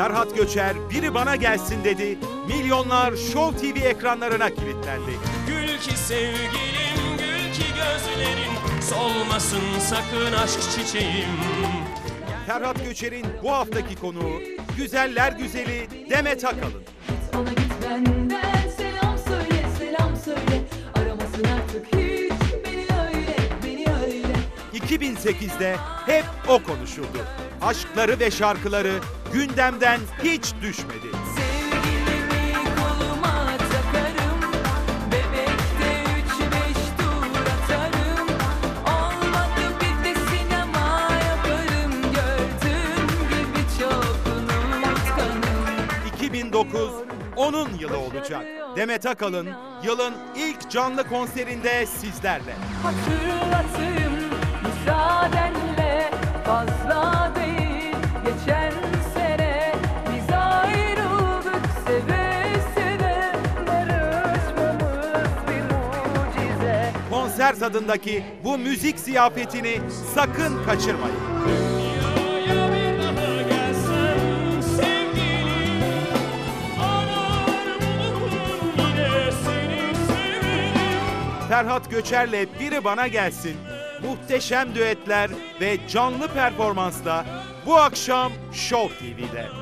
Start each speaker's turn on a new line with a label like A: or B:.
A: Ferhat Göçer biri bana gelsin dedi. Milyonlar Show TV ekranlarına kilitlendi.
B: Gül ki sevgilim, gül ki gözlerin, solmasın sakın aşk çiçeğim.
A: Ferhat Göçer'in bu haftaki konuğu güzeller güzeli Demet Akalın.
C: Ona git benden selam söyle, selam söyle. Aramasın artık hiç beni öyle, beni öyle.
A: 2008'de hep o konuşuldu. Aşkları ve şarkıları gündemden hiç düşmedi.
C: Sevgilimi koluma takarım, bebekte 3-5 tur atarım. Olmadı bir de sinema yaparım, gördüğün gibi çok unutkanım.
A: 2009 onun yılı olacak. Demet Akalın yılın ilk canlı konserinde sizlerle.
C: Hatırlatayım müsaadenle, fazla değil geçen sene biz ayrıldık seve seve, barışmamız bir mucize.
A: Konser tadındaki bu müzik ziyafetini sakın kaçırmayın.
B: Dünyaya bir daha gelsem sevgilim, arar bulurum yine seni severim.
A: Ferhat Göçer'le biri bana gelsin. Muhteşem düetler ve canlı performansla bu akşam Show TV'de.